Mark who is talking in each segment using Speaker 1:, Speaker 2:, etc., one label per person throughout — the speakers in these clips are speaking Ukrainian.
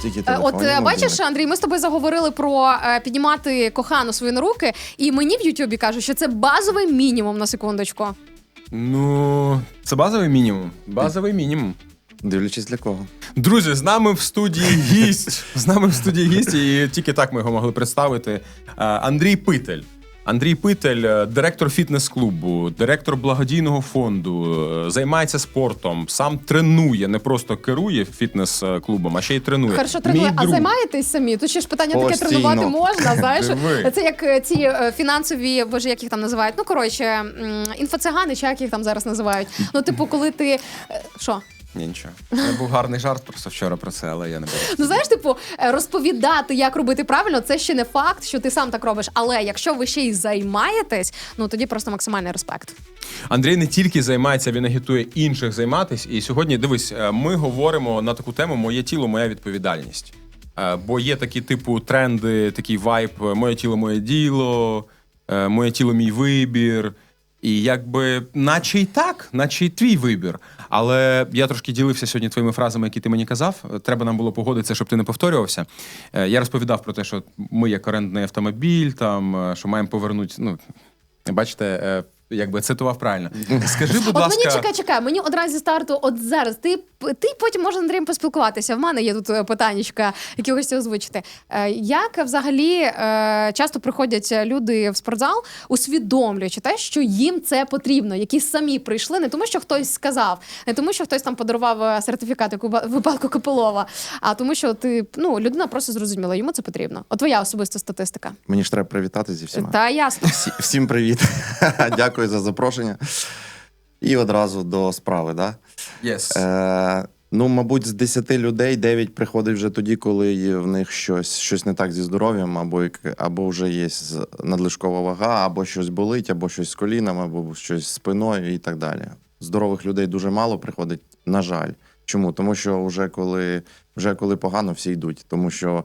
Speaker 1: Стільки телефонів,
Speaker 2: бачиш, Андрій, ми з тобою заговорили про піднімати кохану свою на руки, і мені в Ютубі кажуть, що це базовий мінімум, на секундочку.
Speaker 3: Ну, це базовий мінімум. Базовий мінімум.
Speaker 1: Дивлячись для кого.
Speaker 3: Друзі, з нами в студії гість. З нами в студії гість, і тільки так ми його могли представити. Андрій Питель. Андрій Питель, директор фітнес-клубу, директор благодійного фонду, займається спортом, сам тренує, не просто керує фітнес-клубом, а ще й тренує.
Speaker 2: Хорошо тренує, а займаєтесь самі? Тут ще ж питання таке, тренувати можна, знаєш? Це як ці фінансові, боже, як їх там називають? Ну, коротше, інфоцигани, чи як їх там зараз називають? Ну, типу, коли ти... Що?
Speaker 3: Ні, нічого. Це був гарний жарт просто вчора про це, але я не буду.
Speaker 2: Ну, знаєш, типу, розповідати, як робити правильно, це ще не факт, що ти сам так робиш. Але якщо ви ще й займаєтесь, ну, тоді просто максимальний респект.
Speaker 3: Андрій не тільки займається, він агітує інших займатись. І сьогодні, дивись, ми говоримо на таку тему «Моє тіло, моя відповідальність». Бо є такі типу тренди, такий вайб «Моє тіло, моє діло», «Моє тіло, мій вибір». І якби, наче й так, наче й твій вибір. Але я трошки ділився сьогодні твоїми фразами, які ти мені казав. Треба нам було погодитися, щоб ти не повторювався. Я розповідав про те, що ми як орендний автомобіль, там, що маємо повернути, ну, бачите, якби цитував правильно. Скажи, будь ласка...
Speaker 2: Мені, чекай, мені одразу зі старту, от зараз, ти потім можеш з Андрієм поспілкуватися. В мене є тут питаннячка, які хочеться озвучити. Як взагалі часто приходять люди в спортзал, усвідомлюючи те, що їм це потрібно, які самі прийшли, не тому, що хтось сказав, не тому, що хтось там подарував сертифікат, як у випадку Копилова, а тому, що людина просто зрозуміла, йому це потрібно. От твоя особиста статистика.
Speaker 1: Мені ж треба привітати зі всіма.
Speaker 2: Та ясно.
Speaker 1: Всім привіт. Дякую за запрошення. І одразу до справи, да?
Speaker 3: Yes.
Speaker 1: Ну, мабуть, з 10 людей 9 приходить вже тоді, коли в них щось не так зі здоров'ям, або вже є надлишкова вага, або щось болить, або щось з коліном, або щось з спиною і так далі. Здорових людей дуже мало приходить, на жаль. Чому? Тому що вже коли погано, всі йдуть. Тому що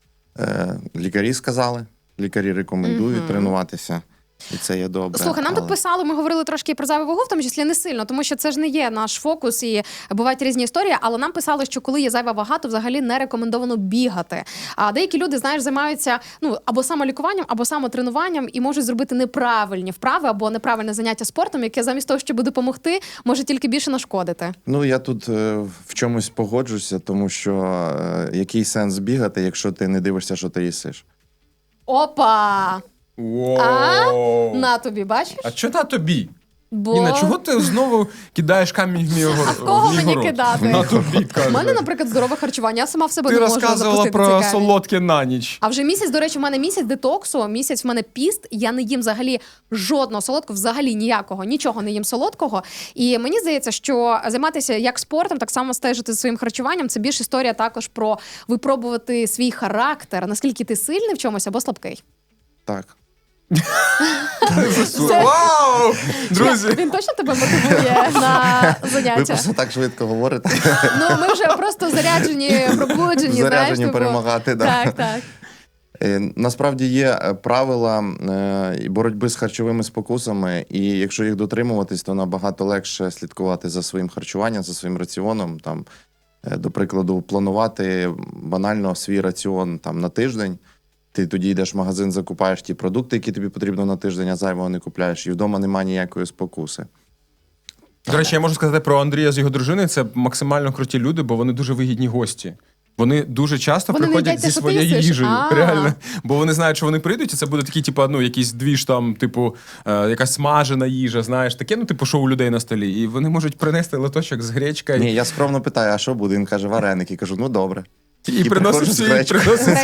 Speaker 1: лікарі сказали, лікарі рекомендують тренуватися. І це є добре.
Speaker 2: Слухай, нам тут писали, ми говорили трошки про зайву вагу, в тому числі не сильно, тому що це ж не є наш фокус і бувають різні історії, але нам писали, що коли є зайва вага, то взагалі не рекомендовано бігати. А деякі люди, знаєш, займаються або самолікуванням, або самотренуванням і можуть зробити неправильні вправи або неправильне заняття спортом, яке замість того, щоб допомогти, може тільки більше нашкодити. Ну,
Speaker 1: я тут в чомусь погоджуся, тому що який сенс бігати, якщо ти не дивишся, що ти їсиш?
Speaker 2: Опа!
Speaker 3: Wow.
Speaker 2: На тобі, бачиш?
Speaker 3: А що на тобі? Ніна, чого ти знову кидаєш камінь в мій город?
Speaker 2: А в кого мені кидати?
Speaker 3: На тобі, кажу.
Speaker 2: У мене, наприклад, здорове харчування, я сама в себе не можу запустити.
Speaker 3: Ти розказувала про солодке на ніч.
Speaker 2: А вже місяць, до речі, в мене місяць детоксу, місяць в мене піст, я не їм взагалі жодного солодкого, взагалі ніякого, нічого не їм солодкого. І мені здається, що займатися як спортом, так само стежити за своїм харчуванням, це більш історія також про випробувати свій характер, наскільки ти сильний в чомусь або слабкий.
Speaker 1: Так.
Speaker 3: Вау! Друзі!
Speaker 2: Він точно тебе мотивує на заняття?
Speaker 1: Ви просто так швидко говорите.
Speaker 2: Ну, ми вже просто заряджені, пробуджені.
Speaker 1: Заряджені перемагати,
Speaker 2: так. Так.
Speaker 1: Насправді є правила боротьби з харчовими спокусами, і якщо їх дотримуватись, то набагато легше слідкувати за своїм харчуванням, за своїм раціоном. Там, до прикладу, планувати банально свій раціон там, на тиждень. Ти тоді йдеш в магазин, закупаєш ті продукти, які тобі потрібно на тиждень, а зайвого не купляєш. І вдома немає ніякої спокуси.
Speaker 3: До речі, я можу сказати про Андрія з його дружиною. Це максимально круті люди, бо вони дуже вигідні гості. Вони дуже часто приходять зі своєю їжею. Реально. Бо вони знають, що вони прийдуть, і це буде такі, якісь двіж там, якась смажена їжа, знаєш, таке, що у людей на столі. І вони можуть принести лоточок з гречкою.
Speaker 1: Ні, я скромно питаю, а що буде? Він каже, вареники. Кажу, ну добре.
Speaker 3: І приносить
Speaker 2: гречку.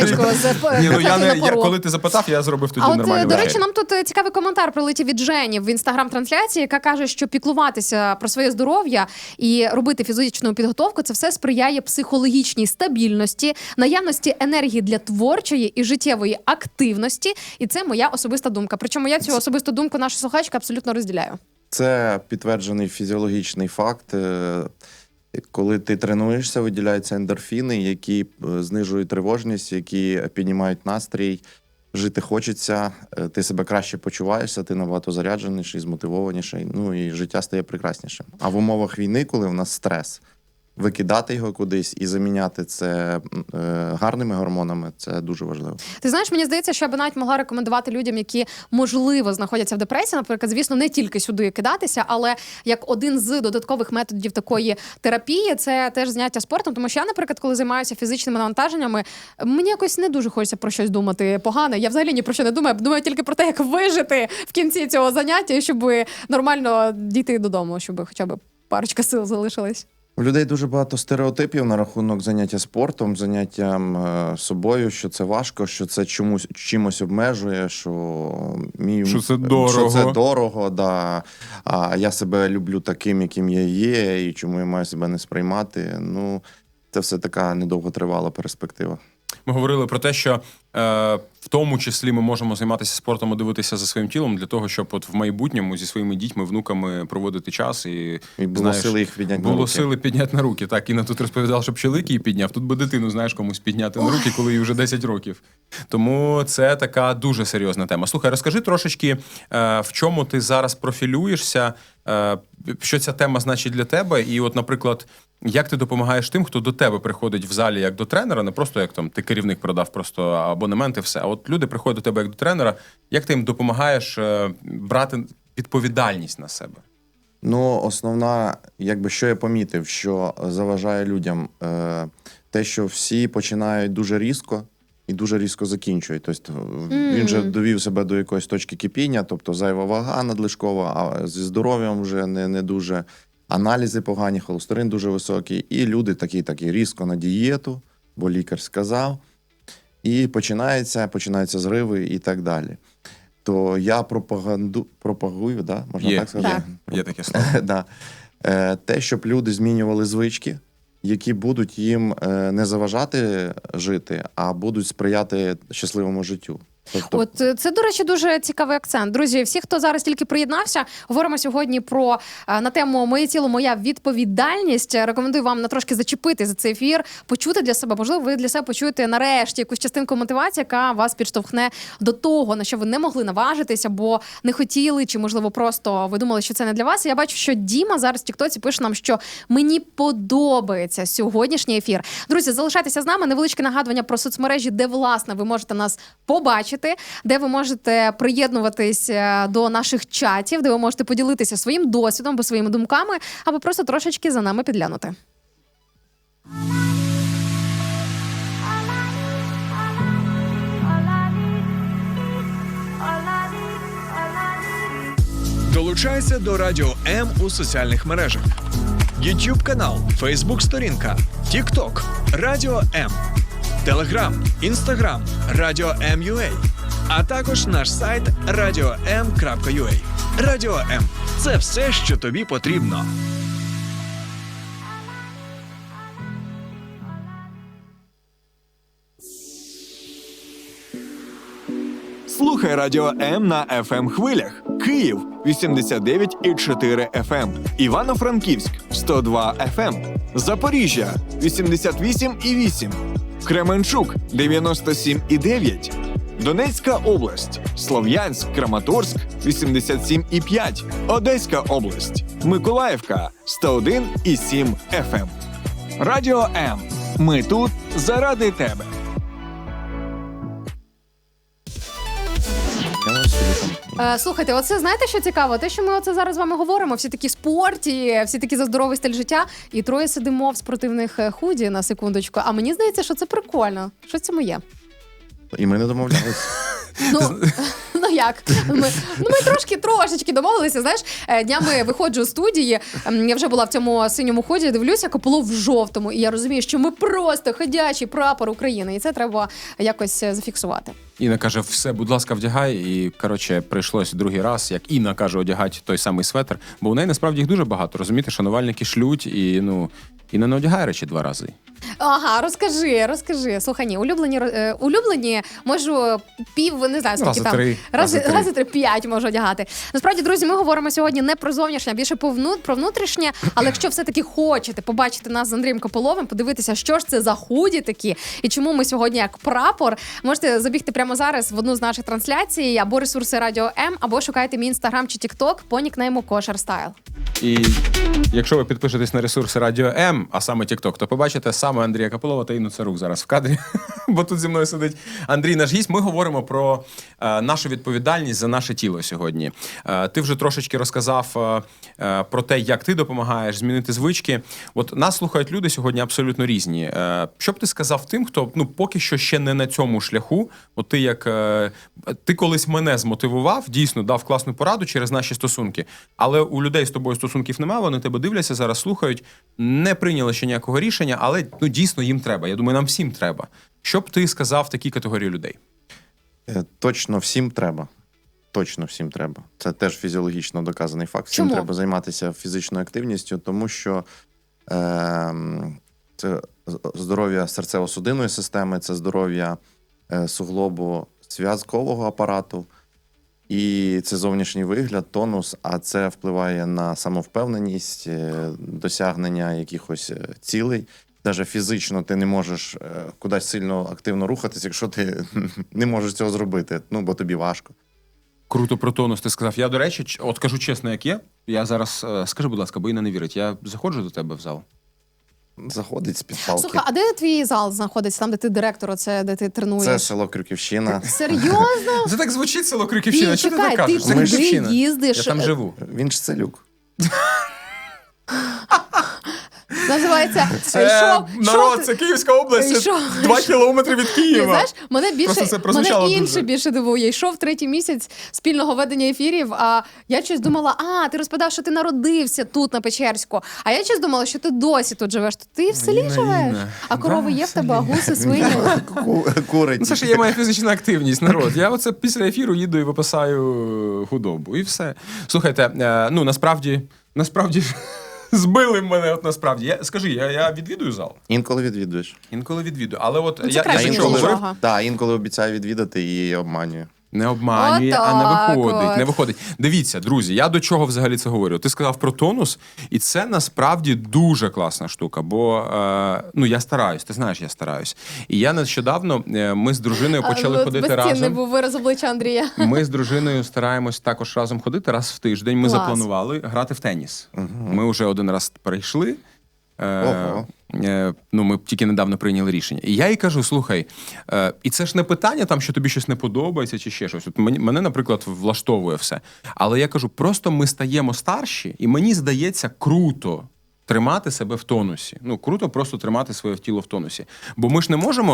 Speaker 3: Коли ти запитав, я зробив тоді нормально.
Speaker 2: До речі, нам тут цікавий коментар прилетів від Жені в інстаграм-трансляції, яка каже, що піклуватися про своє здоров'я і робити фізичну підготовку – це все сприяє психологічній стабільності, наявності енергії для творчої і життєвої активності. І це моя особиста думка. Причому я цю особисту думку нашої слухачки абсолютно розділяю.
Speaker 1: Це підтверджений фізіологічний факт. Коли ти тренуєшся, виділяються ендорфіни, які знижують тривожність, які піднімають настрій, жити хочеться, ти себе краще почуваєшся, ти набагато зарядженіший, змотивованіший, і життя стає прекраснішим. А в умовах війни, коли в нас стрес, викидати його кудись і заміняти це гарними гормонами, це дуже важливо.
Speaker 2: Ти знаєш, мені здається, що я би навіть могла рекомендувати людям, які, можливо, знаходяться в депресії, наприклад, звісно, не тільки сюди кидатися, але як один з додаткових методів такої терапії, це теж заняття спортом, тому що я, наприклад, коли займаюся фізичними навантаженнями, мені якось не дуже хочеться про щось думати погане. Я взагалі ні про що не думаю, думаю тільки про те, як вижити в кінці цього заняття, щоб нормально дійти додому, щоб хоча б парочка сил залишилась.
Speaker 1: У людей дуже багато стереотипів на рахунок заняття спортом, заняттям собою, що це важко, що це чимось обмежує, що
Speaker 3: це дорого.
Speaker 1: Що це дорого, да. А я себе люблю таким, яким я є, і чому я маю себе не сприймати. Ну, це все така недовготривала перспектива.
Speaker 3: Ми говорили про те, що в тому числі ми можемо займатися спортом і дивитися за своїм тілом для того, щоб от в майбутньому зі своїми дітьми, внуками проводити час і
Speaker 1: було сили їх підняти на руки.
Speaker 3: Було сили підняти на руки. Так, Інна тут розповідала, що чоловік її підняв, тут би дитину, знаєш, комусь підняти на руки, коли їй вже 10 років. Тому це така дуже серйозна тема. Слухай, розкажи трошечки, в чому ти зараз профілюєшся, що ця тема значить для тебе, і от, наприклад, як ти допомагаєш тим, хто до тебе приходить в залі як до тренера, не просто як там ти керівник продав просто абонемент і все, а от люди приходять до тебе як до тренера, як ти їм допомагаєш брати відповідальність на себе?
Speaker 1: Ну, основна, якби, що я помітив, що заважає людям те, що всі починають дуже різко і дуже різко закінчують. Тобто він же довів себе до якоїсь точки кипіння, тобто зайва вага надлишкова, а зі здоров'ям вже не дуже, аналізи погані, холестерин дуже високий, і люди такі да, на дієту, бо лікар сказав, і починаються зриви і так далі. То я пропагую, да? Можна так сказати?
Speaker 3: Є таке слово.
Speaker 1: Да. Те, щоб люди змінювали звички, які будуть їм не заважати жити, а будуть сприяти щасливому життю. Тобто...
Speaker 2: От це, до речі, дуже цікавий акцент. Друзі, всі, хто зараз тільки приєднався, говоримо сьогодні про на тему «Моє тіло, моя відповідальність». Рекомендую вам на трошки зачепити за цей ефір, почути для себе. Можливо, ви для себе почуєте нарешті якусь частинку мотивації, яка вас підштовхне до того, на що ви не могли наважитися, бо не хотіли, чи, можливо, просто ви думали, що це не для вас. І я бачу, що Діма зараз в тіктоці пише нам, що мені подобається сьогоднішній ефір. Друзі, залишайтеся з нами. Невеличке нагадування про соцмережі, де, власне, ви можете нас побачити, де ви можете приєднуватись до наших чатів, де ви можете поділитися своїм досвідом або своїми думками, або просто трошечки за нами підглянути.
Speaker 4: Долучайся до Радіо М у соціальних мережах. YouTube канал, Facebook сторінка, TikTok, Радіо М, Telegram, Instagram, Радіо М.UA, а також наш сайт radio.m.ua. Радіо М – це все, що тобі потрібно. Слухай Радіо М на FM хвилях. Київ 89,4 FM, Івано-Франківськ 102 FM, Запоріжжя 88,8, Кременчук 97,9, Донецька область, Слов'янськ, Краматорськ 87,5, Одеська область, Миколаївка 101,7 FM. Радіо М. Ми тут заради тебе.
Speaker 2: Слухайте, оце знаєте, що цікаво? Те, що ми оце зараз з вами говоримо, всі такі спорті, всі такі за здоровий стиль життя, і троє сидимо в спортивних худі, на секундочку. А мені здається, що це прикольно. Що це моє?
Speaker 1: І ми не домовлялися.
Speaker 2: Ну як? Ми трошечки домовилися, знаєш. Днями виходжу з студії, я вже була в цьому синьому ході, дивлюся, Копилов в жовтому. І я розумію, що ми просто ходячий прапор України. І це треба якось зафіксувати.
Speaker 3: Інна каже, все, будь ласка, вдягай. І, коротше, прийшлось другий раз, як Інна каже, одягати той самий светр. Бо у неї, насправді, їх дуже багато. Розумієте, шанувальники шлють і, Інна не одягає речі 2 рази.
Speaker 2: Ага, розкажи. Слухай, ні, улюблені можу не знаю, скільки
Speaker 3: Рази
Speaker 2: там.
Speaker 3: три.
Speaker 2: Рази 3-5 можу одягати. Насправді, друзі, ми говоримо сьогодні не про зовнішнє, а більше про внутрішнє. Але якщо все-таки хочете побачити нас з Андрієм Кополовим, подивитися, що ж це за худі такі, і чому ми сьогодні як прапор, можете забігти прямо зараз в одну з наших трансляцій, або ресурси Радіо М, або шукайте мій інстаграм чи тікток по нікнейму Кошер Стайл.
Speaker 3: І якщо ви підпишетесь на ресурси Радіо М, а саме TikTok, то побачите саме Андрія Кополова та Інну Царук зараз в кадрі, бо тут зі мною сидить Андрій, наш гість. Ми говоримо про нашу відповідальність за наше тіло сьогодні. Ти вже трошечки розказав про те, як ти допомагаєш змінити звички. От нас слухають люди сьогодні абсолютно різні. Що б ти сказав тим, хто поки що ще не на цьому шляху? От ти колись мене змотивував, дійсно дав класну пораду через наші стосунки, але у людей з тобою стосунків немає, вони тебе дивляться, зараз слухають, не прийняли ще ніякого рішення, але дійсно їм треба. Я думаю, нам всім треба. Що б ти сказав такій категорії людей?
Speaker 1: Точно всім треба. Точно всім треба. Це теж фізіологічно доказаний факт. Всім
Speaker 2: Чому?
Speaker 1: треба займатися фізичною активністю, тому що це здоров'я серцево-судинної системи, це здоров'я суглобу зв'язкового апарату, і це зовнішній вигляд, тонус, а це впливає на самовпевненість, досягнення якихось цілей. Навіть фізично ти не можеш кудись сильно активно рухатись, якщо ти не можеш цього зробити, бо тобі важко.
Speaker 3: Круто про тонус ти сказав. Я, до речі, от кажу чесно, як є. Я зараз, скажи, будь ласка, бо Інна не вірить, я заходжу до тебе в зал.
Speaker 1: Заходить з-під палки.
Speaker 2: Слухай, а де твій зал знаходиться? Там, де ти директор, де ти тренуєш?
Speaker 1: Це село Крюківщина.
Speaker 2: Серйозно?
Speaker 3: Це так звучить село Крюківщина.
Speaker 2: Ні,
Speaker 3: Що ти
Speaker 2: чекай,
Speaker 3: так
Speaker 2: ти
Speaker 3: кажеш? Це
Speaker 2: туди
Speaker 3: Крюківщина.
Speaker 2: їздиш.
Speaker 3: Я там живу.
Speaker 1: Він ж селюк.
Speaker 2: Називається
Speaker 3: народ, це Київська область,
Speaker 2: Йшов.
Speaker 3: 2 кілометри від
Speaker 2: Ні,
Speaker 3: Києва.
Speaker 2: знаєш, мене
Speaker 3: Просто це прозвучало
Speaker 2: інше
Speaker 3: дуже.
Speaker 2: більше дивує. Йшов 3-й місяць спільного ведення ефірів, а я щось думала, ти розповідав, що ти народився тут, на Печерську, а я щось думала, що ти досі тут живеш. То ти в селі
Speaker 3: Інна,
Speaker 2: живеш?
Speaker 3: Інна.
Speaker 2: А корови
Speaker 3: Да,
Speaker 2: є
Speaker 3: в
Speaker 2: в тебе, а
Speaker 3: селі.
Speaker 2: гуси, свині?
Speaker 1: Курить.
Speaker 3: Це ж є моя фізична активність, народ. Я оце після ефіру їду і випасаю худобу. І все. Слухайте, насправді ж збили мене, от насправді. Скажи, я відвідую зал?
Speaker 1: Інколи відвідуєш.
Speaker 3: Інколи відвідую. Але от
Speaker 2: Ну, це
Speaker 3: я
Speaker 2: краще,
Speaker 3: що
Speaker 2: ніж
Speaker 3: говорив?
Speaker 2: нічого.
Speaker 1: Так, інколи обіцяю відвідати і обманюю.
Speaker 3: Не обманює, а
Speaker 2: Отак
Speaker 3: не виходить.
Speaker 2: от.
Speaker 3: Не виходить. Дивіться, друзі, я до чого взагалі це говорю? Ти сказав про тонус, і це насправді дуже класна штука, бо я стараюсь, ти знаєш, я стараюсь. І я нещодавно, ми з дружиною почали ходити
Speaker 2: Безцінний
Speaker 3: разом.
Speaker 2: був вираз обличчя Андрія.
Speaker 3: Ми з дружиною стараємось також разом ходити раз в тиждень. Ми
Speaker 2: Клас.
Speaker 3: запланували грати в теніс. Ми вже один раз перейшли.
Speaker 1: Ого.
Speaker 3: Ми тільки недавно прийняли рішення. І я їй кажу: слухай, і це ж не питання, там, що тобі щось не подобається чи ще щось. От мене, наприклад, влаштовує все. Але я кажу, просто ми стаємо старші, і мені здається круто тримати себе в тонусі. Круто просто тримати своє тіло в тонусі. Бо ми ж не можемо,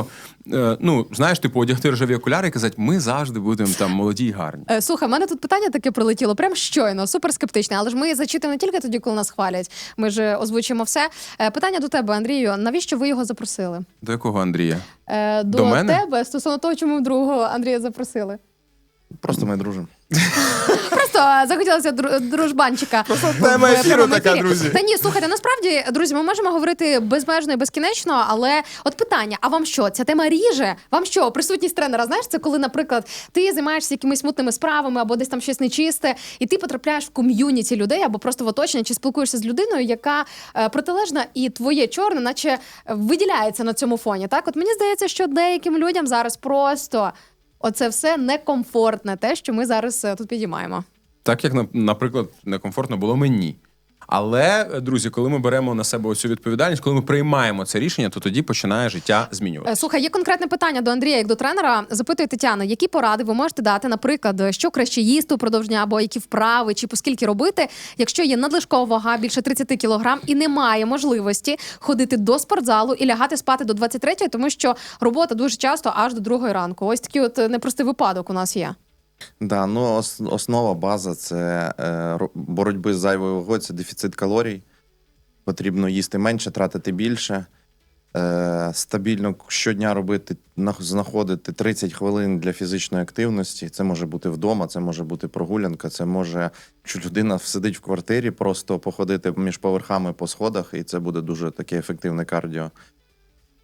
Speaker 3: одягти рожеві окуляри і казати, ми завжди будемо там молоді і гарні.
Speaker 2: Слухай, в мене тут питання таке прилетіло, прям щойно, супер скептичне, але ж ми зачитуємо не тільки тоді, коли нас хвалять, ми ж озвучуємо все. Питання до тебе, Андрію, навіщо ви його запросили?
Speaker 3: До якого Андрія?
Speaker 2: До
Speaker 3: мене?
Speaker 2: тебе, стосовно того, чому другого Андрія запросили.
Speaker 1: Просто ми дружимо.
Speaker 2: Просто захотілося дружбанчика.
Speaker 3: тема
Speaker 2: в
Speaker 3: ефіру
Speaker 2: прямому
Speaker 3: така,
Speaker 2: ефірі.
Speaker 3: друзі.
Speaker 2: Та ні, слухайте, насправді, друзі, ми можемо говорити безмежно і безкінечно, але от питання, а вам що, ця тема ріже? Вам що, присутність тренера, знаєш, це коли, наприклад, ти займаєшся якимись мутними справами або десь там щось нечисте, і ти потрапляєш в ком'юніті людей або просто в оточення, чи спілкуєшся з людиною, яка протилежна, і твоє чорне, наче виділяється на цьому фоні. Так, от мені здається, що деяким людям зараз просто оце все некомфортне, те, що ми зараз тут підіймаємо.
Speaker 3: Так, як, наприклад, некомфортно було мені. Але, друзі, коли ми беремо на себе оцю відповідальність, коли ми приймаємо це рішення, то тоді починає життя змінюватися.
Speaker 2: Слухай, є конкретне питання до Андрія, як до тренера. Запитує Тетяна, які поради ви можете дати, наприклад, що краще їсти упродовж дня, або які вправи, чи поскільки робити, якщо є надлишкова вага більше 30 кілограм і немає можливості ходити до спортзалу і лягати спати до 23-ї, тому що робота дуже часто аж до 2-ї ранку. Ось такий от непростий випадок у нас є.
Speaker 1: Да, основа, база – це боротьби з зайвою вагою, це дефіцит калорій. Потрібно їсти менше, тратити більше. Стабільно щодня знаходити 30 хвилин для фізичної активності. Це може бути вдома, це може бути прогулянка, це може, якщо людина сидить в квартирі, просто походити між поверхами по сходах, і це буде дуже таке ефективне кардіо.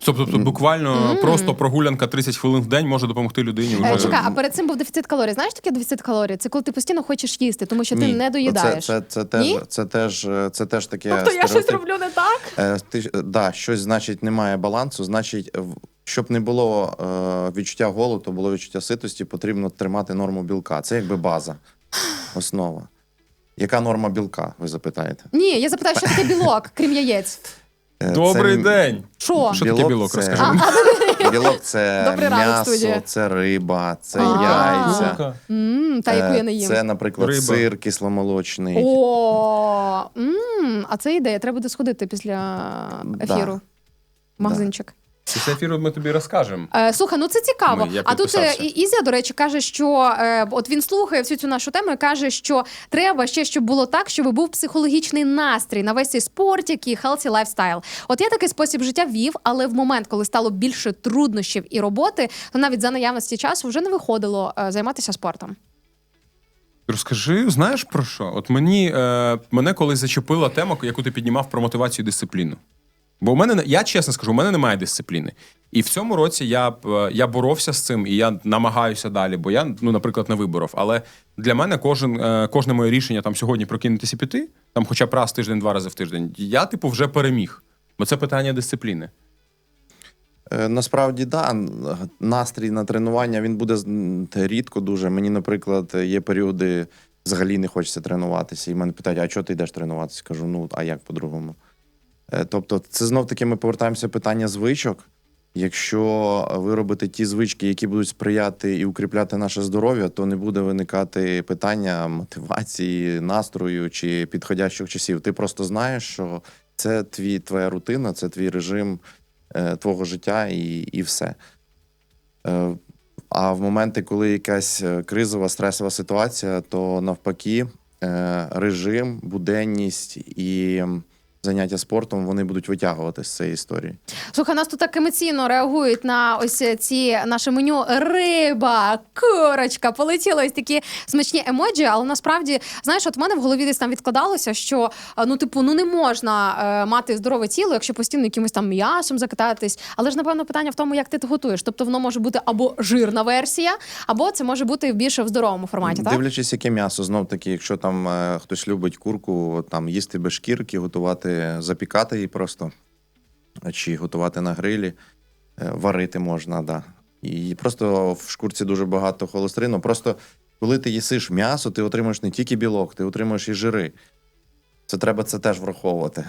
Speaker 3: Тобто буквально просто прогулянка 30 хвилин в день може допомогти людині. Вже...
Speaker 2: Чекай, а перед цим був дефіцит калорій. Знаєш таке дефіцит калорій? Це коли ти постійно хочеш їсти, тому що ти
Speaker 1: Ні.
Speaker 2: не доїдаєш. Ні?
Speaker 1: Це теж таке
Speaker 2: Тобто я щось
Speaker 1: стереотип.
Speaker 2: роблю не так?
Speaker 1: Щось, значить, немає балансу, значить, щоб не було відчуття голоду, було відчуття ситості, потрібно тримати норму білка. Це якби база, основа. Яка норма білка, ви запитаєте?
Speaker 2: Ні, я запитаю, що таке білок, крім яєць.
Speaker 3: Добрий день!
Speaker 2: Що?
Speaker 3: Що таке білок,
Speaker 1: це-
Speaker 3: розкажи.
Speaker 1: Білок це
Speaker 2: Добрий ранок, студія.
Speaker 1: м'ясо, це риба, це
Speaker 2: А.
Speaker 1: яйця.
Speaker 2: Та яку я не їм.
Speaker 1: Це, наприклад,
Speaker 3: Риба.
Speaker 1: сир кисломолочний.
Speaker 2: О, а це ідея. Треба буде сходити після ефіру. В магазинчик.
Speaker 3: Після ефіру ми тобі розкажемо.
Speaker 2: Слухай, ну це цікаво.
Speaker 3: Я
Speaker 2: А тут
Speaker 3: підписався.
Speaker 2: Ізя, до речі, каже, що от він слухає всю цю нашу тему і каже, що треба ще, щоб було так, щоб був психологічний настрій на весь цей спортик і healthy lifestyle. От я такий спосіб життя вів, але в момент, коли стало більше труднощів і роботи, то навіть за наявності часу вже не виходило займатися спортом.
Speaker 3: Розкажи, знаєш про що? От мене колись зачепила тема, яку ти піднімав про мотивацію і дисципліну. Бо у мене, я чесно скажу, у мене немає дисципліни. І в цьому році я боровся з цим, і я намагаюся далі, бо я, наприклад, не виборов. Але для мене кожне моє рішення там сьогодні прокинутися і піти, там хоча б раз в тиждень, 2 рази в тиждень, я, вже переміг. Бо це питання дисципліни.
Speaker 1: Насправді, да, настрій на тренування, він буде рідко дуже. Мені, наприклад, є періоди, взагалі не хочеться тренуватися. І мене питають, а чого ти йдеш тренуватися? Кажу, а як по-другому? Тобто, це знов-таки ми повертаємося питання звичок. Якщо ви робите ті звички, які будуть сприяти і укріпляти наше здоров'я, то не буде виникати питання мотивації, настрою чи підходящих часів. Ти просто знаєш, що це твоя рутина, це твій режим твого життя і все. А в моменти, коли якась кризова, стресова ситуація, то навпаки режим, буденність і заняття спортом, вони будуть витягувати з цієї історії.
Speaker 2: Слухай, нас тут так емоційно реагують на ось ці наше меню риба, курочка, полетіли ось такі смачні емоджі, але насправді, знаєш, от в мене в голові десь там відкладалося, що, не можна мати здорове тіло, якщо постійно якимось там м'ясом закататись, але ж, напевно, питання в тому, як ти це готуєш. Тобто воно може бути або жирна версія, або це може бути більше в здоровому форматі, так?
Speaker 1: Дивлячись, яке м'ясо, знов-таки, якщо там хтось любить курку, там їсти без шкірки, запікати її просто, чи готувати на грилі, варити можна, да. І просто в шкурці дуже багато холестерину. Просто коли ти їсиш м'ясо, ти отримуєш не тільки білок, ти отримуєш і жири. Треба це теж враховувати.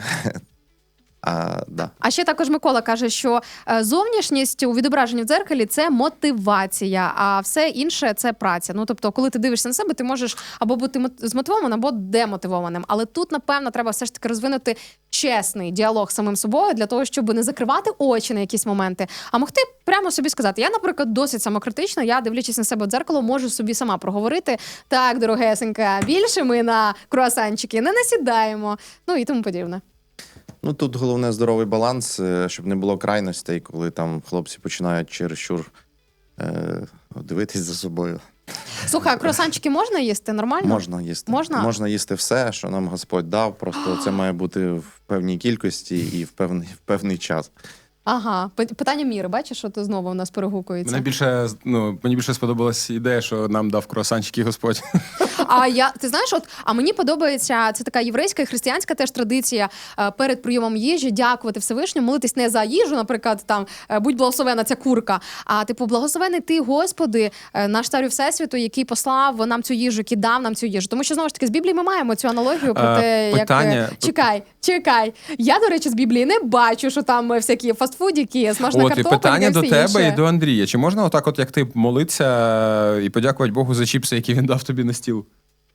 Speaker 1: Да.
Speaker 2: А ще також Микола каже, що зовнішність у відображенні в дзеркалі – це мотивація, а все інше – це праця. Тобто, коли ти дивишся на себе, ти можеш або бути змотивованим, або демотивованим. Але тут, напевно, треба все ж таки розвинути чесний діалог з самим собою для того, щоб не закривати очі на якісь моменти, а могти прямо собі сказати. Я, наприклад, досить самокритична, я, дивлячись на себе в дзеркало, можу собі сама проговорити: так, дорогесенька, більше ми на круасанчики не насідаємо, і тому подібне.
Speaker 1: Тут головне здоровий баланс, щоб не було крайностей, коли там хлопці починають чересчур дивитись за собою.
Speaker 2: Слухай, а круасанчики можна їсти? Нормально?
Speaker 1: Можна їсти.
Speaker 2: Можна
Speaker 1: їсти все, що нам Господь дав, просто це має бути в певній кількості і в певний час.
Speaker 2: Ага, питання міри, бачиш, що знову у нас перегукується.
Speaker 3: Мені більше сподобалась ідея, що нам дав круасанчики Господь.
Speaker 2: Ти знаєш, мені подобається, це така єврейська і християнська теж традиція перед прийомом їжі дякувати Всевишньому, молитись не за їжу, наприклад, там будь благословена ця курка, а благословений ти, Господи, наш царю Всесвіту, який послав нам цю їжу, який дав нам цю їжу. Тому що, знову ж таки, з Біблії ми маємо цю аналогію про те,
Speaker 3: питання...
Speaker 2: як... Чекай. Я, до речі, з Біблії не бачу, що там всякі фастфудики, смажна картопля.
Speaker 3: Питання до тебе
Speaker 2: інше.
Speaker 3: і до Андрія. Чи можна отак, як ти, молитися і подякувати Богу за чіпси, які він дав тобі на стіл?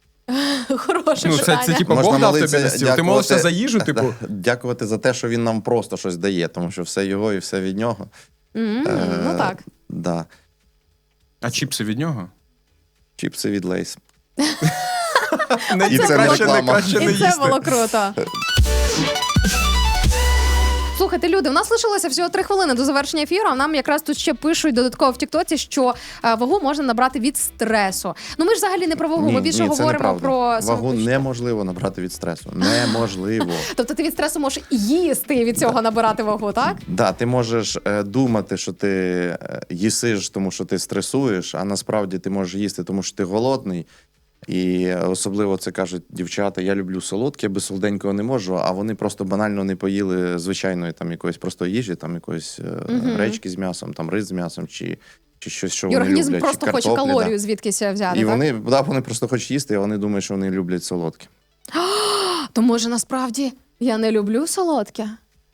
Speaker 2: Хороше питання.
Speaker 3: Це типу Бог дав тобі на стіл. Ти молишся за їжу, типу?
Speaker 1: Дякувати за те, що він нам просто щось дає, тому що все його і все від нього.
Speaker 2: Так.
Speaker 1: Да.
Speaker 3: А чіпси від нього?
Speaker 1: Чіпси від Лейс.
Speaker 3: І
Speaker 1: це
Speaker 3: краще
Speaker 1: реклама.
Speaker 3: не
Speaker 2: І
Speaker 3: їсти.
Speaker 2: це було круто. Слухайте, люди, у нас лишилося всього 3 хвилини до завершення ефіру, а нам якраз тут ще пишуть додатково в Тіктоці, що вагу можна набрати від стресу. Ну ми ж взагалі не про вагу, ми більше
Speaker 1: це
Speaker 2: говоримо
Speaker 1: неправда.
Speaker 2: про
Speaker 1: Вагу
Speaker 2: самопочуття.
Speaker 1: неможливо набрати від стресу. Неможливо.
Speaker 2: Тобто ти від стресу можеш їсти і від цього набирати вагу, так?
Speaker 1: Да, ти можеш думати, що ти їсиш, тому що ти стресуєш, а насправді ти можеш їсти, тому що ти голодний. І особливо це кажуть дівчата, я люблю солодке, без солоденького не можу, а вони просто банально не поїли звичайної там якоїсь просто їжі, там якоїсь гречки з м'ясом, там рис з м'ясом чи щось, що
Speaker 2: І
Speaker 1: вони
Speaker 2: організм
Speaker 1: люблять.
Speaker 2: просто
Speaker 1: чи
Speaker 2: хоче
Speaker 1: картоплі,
Speaker 2: калорію
Speaker 1: да.
Speaker 2: звідкись взяти,
Speaker 1: І
Speaker 2: так?
Speaker 1: вони просто хочуть їсти, і вони думають, що вони люблять солодке.
Speaker 2: То може насправді я не люблю солодке?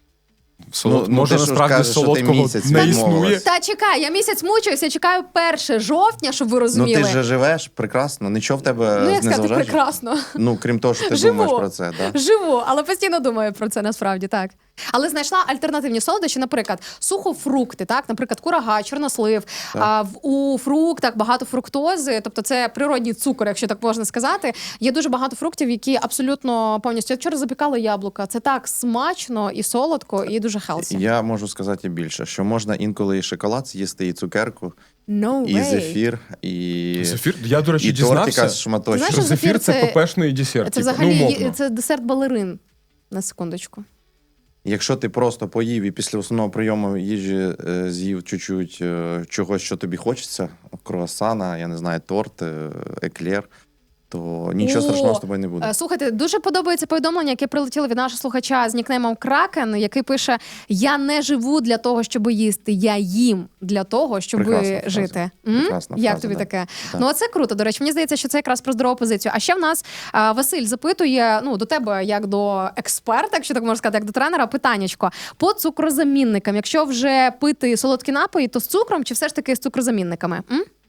Speaker 3: Може,
Speaker 1: ти ж
Speaker 3: насправді
Speaker 1: кажеш, що ти
Speaker 3: солодкого
Speaker 1: місяць
Speaker 3: не
Speaker 1: відмовилась.
Speaker 3: існує.
Speaker 2: Та чекай, я місяць мучуюся, чекаю 1 жовтня, щоб ви
Speaker 1: Ну
Speaker 2: розуміли.
Speaker 1: ти ж живеш прекрасно, нічого в тебе
Speaker 2: Ну, як
Speaker 1: не
Speaker 2: сказати,
Speaker 1: заважає.
Speaker 2: прекрасно.
Speaker 1: Ну, крім того, що ти
Speaker 2: Живу.
Speaker 1: думаєш про це, да?
Speaker 2: Живу, але постійно думаю про це насправді, так. Але знайшла альтернативні солодощі, наприклад, сухофрукти, так, наприклад, курага, чорнослив. У фруктах багато фруктози, тобто це природній цукор, якщо так можна сказати. Є дуже багато фруктів, які абсолютно повністю. Я вчора запікала яблука. Це так смачно і солодко, і дуже хелсі.
Speaker 1: Я можу сказати більше, що можна інколи і шоколад з'їсти, і цукерку,
Speaker 2: No
Speaker 1: і
Speaker 2: way.
Speaker 1: зефір, і...
Speaker 3: Зефір? Я, до речі,
Speaker 1: і тортика
Speaker 3: дізнався,
Speaker 1: з шматочком.
Speaker 2: Знаєш,
Speaker 3: що
Speaker 2: що
Speaker 3: зефір – це
Speaker 2: це-
Speaker 3: пепешний десерт.
Speaker 2: Це
Speaker 3: типу,
Speaker 2: взагалі
Speaker 3: умовно.
Speaker 2: це десерт балерин. На секундочку.
Speaker 1: Якщо ти просто поїв і після основного прийому їжі з'їв чуть-чуть чогось, що тобі хочеться, круасана, я не знаю, торт, еклер, то нічого страшного з тобою не буде.
Speaker 2: Слухайте, дуже подобається повідомлення, яке прилетіло від нашого слухача з нікнеймом Кракен, який пише: «Я не живу для того, щоб їсти, я їм для того, щоб
Speaker 1: Прекрасна фраза.
Speaker 2: жити».
Speaker 1: Прекрасна
Speaker 2: Як
Speaker 1: фраза,
Speaker 2: тобі
Speaker 1: да.
Speaker 2: таке?
Speaker 1: Да.
Speaker 2: Ну, це круто, до речі. Мені здається, що це якраз про здорову позицію. А ще в нас Василь запитує, ну, до тебе, як до експерта, якщо так можна сказати, як до тренера, питаннячко. По цукрозамінникам, якщо вже пити солодкі напої, то з цукром чи все ж таки з цукрозамінниками?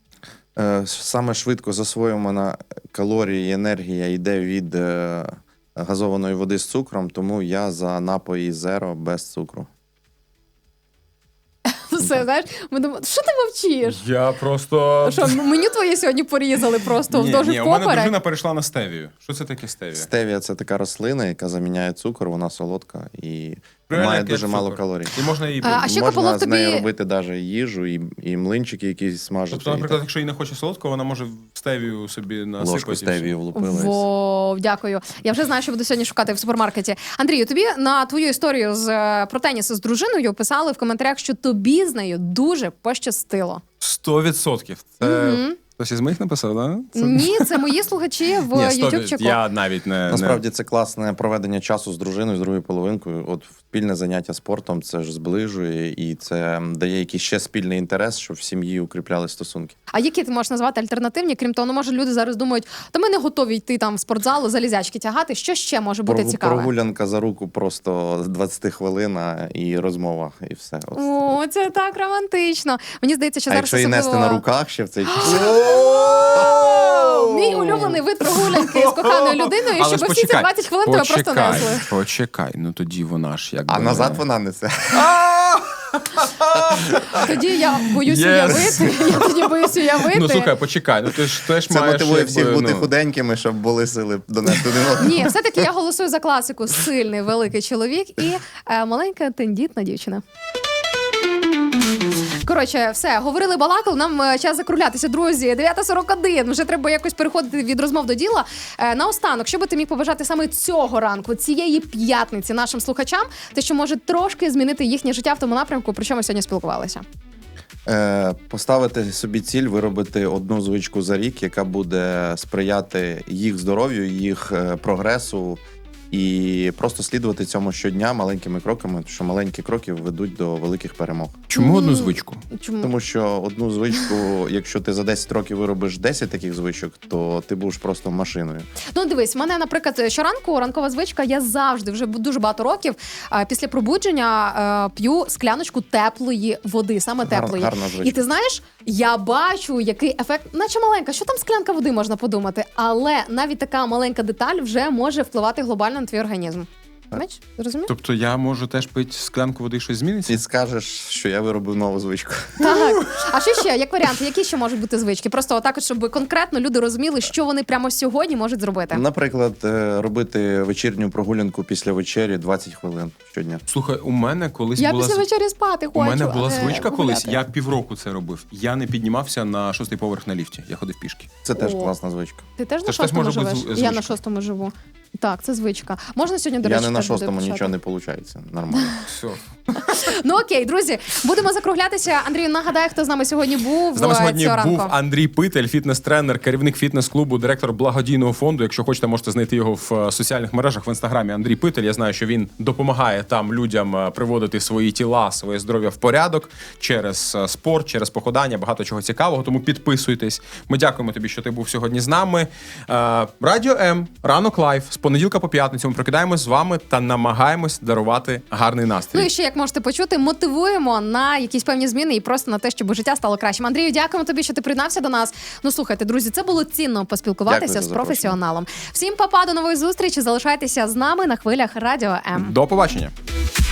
Speaker 1: Саме швидко засвоювана калорії і енергія йде від газованої води з цукром, тому я за напої зеро без цукру.
Speaker 2: Все, знаєш, ми думаємо, що ти мовчиш?
Speaker 3: Я просто...
Speaker 2: Що, меню твоє сьогодні порізали просто вздовж
Speaker 3: ні, у мене
Speaker 2: поперек?
Speaker 3: дружина перейшла на стевію. Що це таке стевія?
Speaker 1: Стевія – це така рослина, яка заміняє цукор, вона солодка і
Speaker 3: Реально,
Speaker 1: має
Speaker 3: як
Speaker 1: дуже мало
Speaker 3: цукор.
Speaker 1: калорій.
Speaker 3: І можна її...
Speaker 2: А ще
Speaker 1: Можна
Speaker 2: Кополов
Speaker 1: з нею
Speaker 2: тобі-
Speaker 1: робити навіть їжу, і млинчики якісь смажити.
Speaker 3: Тобто, наприклад, якщо їй не хоче солодкого, вона може стевію собі насипати.
Speaker 1: ложку
Speaker 3: і все.
Speaker 1: стевії влупили.
Speaker 2: Вау, дякую. Я вже знаю, що буду сьогодні шукати в супермаркеті. Андрію, тобі на твою історію про теніс з дружиною писали в коментарях, що тобі з нею дуже пощастило.
Speaker 3: 100%. Це хтось із моїх написав, да?
Speaker 2: Ні, це мої слухачі в
Speaker 3: Ні, 100%.
Speaker 2: Ютубчику.
Speaker 3: Я навіть не...
Speaker 1: Насправді це класне проведення часу з дружиною, з другою половинкою. От спільне заняття спортом це ж зближує і це дає якийсь ще спільний інтерес, щоб в сім'ї укріпляли стосунки.
Speaker 2: А які ти можеш назвати альтернативні? Крім того, ну, може, люди зараз думають, та ми не готові йти там в спортзалу, залізячки тягати. Що ще може бути цікаве?
Speaker 1: Прогулянка за руку просто 20 хвилин і розмова, і все. От.
Speaker 2: О, це так романтично. Мені здається, що
Speaker 1: А
Speaker 2: зараз
Speaker 1: якщо її нести
Speaker 2: особливо-
Speaker 1: на руках ще в цей час.
Speaker 2: Мій улюблений вид прогулянки з коханою людиною,
Speaker 3: Але
Speaker 2: щоб
Speaker 3: ж
Speaker 2: всі ці
Speaker 3: почекай,
Speaker 2: 20 хвилин тебе просто несли.
Speaker 3: Почекай, ну тоді вона ж якби...
Speaker 1: А назад вона несе.
Speaker 2: Тоді я боюсь
Speaker 3: Yes.
Speaker 2: уявити. Я тоді боюсь уявити.
Speaker 3: Ну слухай, почекай, ну ти ж теж
Speaker 1: Це
Speaker 3: маєш...
Speaker 1: мотивує
Speaker 3: якби,
Speaker 1: всіх бути
Speaker 3: ну,
Speaker 1: худенькими, щоб були сили донести один одного.
Speaker 2: Ні, все-таки я голосую за класику: сильний великий чоловік і маленька тендітна дівчина. Коротше, все, говорили, балакали, нам час закруглятися, друзі. 9:41, вже треба якось переходити від розмов до діла. Наостанок, що би ти міг побажати саме цього ранку, цієї п'ятниці нашим слухачам, те, що може трошки змінити їхнє життя в тому напрямку, про що ми сьогодні спілкувалися?
Speaker 1: Поставити собі ціль, виробити одну звичку за рік, яка буде сприяти їх здоров'ю, їх прогресу, і просто слідувати цьому щодня маленькими кроками, тому що маленькі кроки ведуть до великих перемог.
Speaker 3: Чому одну звичку?
Speaker 2: Чому?
Speaker 1: Тому що одну звичку, якщо ти за 10 років виробиш 10 таких звичок, то ти будеш просто машиною.
Speaker 2: Ну, дивись, в мене, наприклад, щоранку ранкова звичка, я завжди, вже дуже багато років, після пробудження п'ю скляночку теплої води, саме теплої.
Speaker 1: Гарна звичка.
Speaker 2: І ти знаєш, я бачу, який ефект, наче маленька, що там склянка води, можна подумати, але навіть така маленька деталь вже може впливати глобально на твій організм. Бач, зрозумів?
Speaker 3: Тобто я можу теж пити склянку води і щось зміниться?
Speaker 1: І скажеш, що я виробив нову звичку.
Speaker 2: Так. А що ще, як варіант, які ще можуть бути звички? Просто отак, от, щоб конкретно люди розуміли, що вони прямо сьогодні можуть зробити.
Speaker 1: Наприклад, робити вечірню прогулянку після вечері 20 хвилин щодня.
Speaker 3: Слухай, у мене колись
Speaker 2: Я
Speaker 3: була...
Speaker 2: після вечері спати хочу.
Speaker 3: У мене була
Speaker 2: а не
Speaker 3: звичка колись,
Speaker 2: гуляти.
Speaker 3: я півроку це робив. Я не піднімався на 6-й поверх на ліфті, я ходив пішки.
Speaker 1: Це теж
Speaker 2: О.
Speaker 1: класна звичка.
Speaker 2: Ти теж
Speaker 3: Це
Speaker 2: на
Speaker 3: ж теж
Speaker 2: 6-му
Speaker 3: може бути
Speaker 2: живеш?
Speaker 3: звичка.
Speaker 2: Я на 6-му живу. Так, це звичка. Можна сьогодні, до
Speaker 1: Я
Speaker 2: речі,
Speaker 1: не на
Speaker 2: теж буде
Speaker 1: 6-му,
Speaker 2: почати?
Speaker 1: нічого не виходить. Нормально.
Speaker 3: Все.
Speaker 2: Ну окей, друзі, будемо закруглятися. Андрію, нагадай, хто з нами сьогодні був
Speaker 3: З нами сьогодні
Speaker 2: цього ранку.
Speaker 3: був Андрій Питель, фітнес-тренер, керівник фітнес-клубу, директор благодійного фонду. Якщо хочете, можете знайти його в соціальних мережах в інстаграмі. Андрій Питель. Я знаю, що він допомагає там людям приводити свої тіла, своє здоров'я в порядок через спорт, через походання, багато чого цікавого. Тому підписуйтесь. Ми дякуємо тобі, що ти був сьогодні з нами. Радіо М, ранок лайв з понеділка по п'ятницю. Ми прокидаємось з вами та намагаємось дарувати гарний настрій.
Speaker 2: Ну і ще, як можете почути, мотивуємо на якісь певні зміни і просто на те, щоб життя стало кращим. Андрію, дякуємо тобі, що ти приєднався до нас. Ну слухайте, друзі, це було цінно поспілкуватися
Speaker 1: Дякую за
Speaker 2: з
Speaker 1: запрошення.
Speaker 2: професіоналом. Всім па-па, до нової зустрічі. Залишайтеся з нами на хвилях Радіо М.
Speaker 3: До побачення.